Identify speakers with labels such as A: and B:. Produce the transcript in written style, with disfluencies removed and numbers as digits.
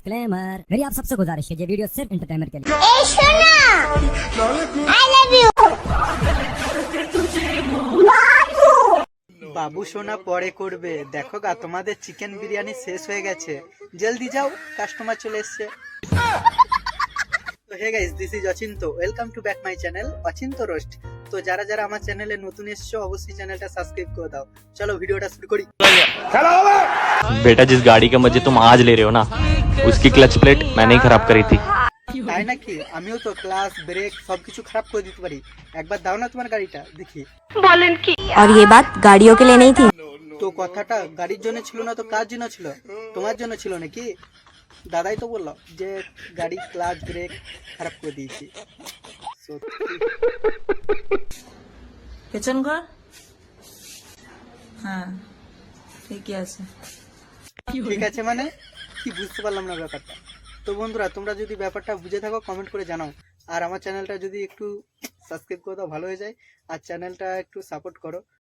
A: Disclaimer, मेरी आप सबसे गुजारिश है ये वीडियो सिर्फ एंटरटेनमेंट के लिए।
B: বাবু সোনা পরে করবে, দেখো গা তোমাদের চিকেন বিরিয়ানি শেষ হয়ে গেছে, জলদি যাও কাস্টমার চলে এসছে। তো hey guys, this is Achinta, welcome to back my channel Achinta roast. তো যারা যারা আমার চ্যানেলে নতুন এসছো অবশ্যই চ্যানেলটা সাবস্ক্রাইব করে দাও। চলো ভিডিওটা শুরু করি।
C: बेटा जिस गाड़ी के मजे तुम आज ले रहे हो ना, उसकी क्लच प्लेट मैंने ही खराब करी थी।
B: তাই নাকি? আমিও তো ক্লাস ব্রেক সবকিছু খারাপ করে দিতে পারি, একবার দাও না তোমার গাড়িটা দেখি।
D: और ये बात गाड़ियों के लिए नहीं थी।
B: তো কথাটা গাড়ির জন্য ছিল না তো কার জন্য ছিল? তোমার জন্য ছিল নাকি? দাদাই তো বললো যে গাড়ি ক্লাচ ব্রেক খারাপ করে দিয়েছি। সত্যি।
E: পেছন ঘর, হ্যাঁ ঠিকই আছে।
B: ঠিক আছে মানে কি বুঝতে পারলাম না ব্যাপারটা। তো বন্ধুরা, তোমরা যদি ব্যাপারটা বুঝে থাকো কমেন্ট করে জানাও, আর আমার চ্যানেলটা যদি একটু সাবস্ক্রাইব করে দাও ভালো হয়ে যায়, আর চ্যানেলটা একটু সাপোর্ট করো।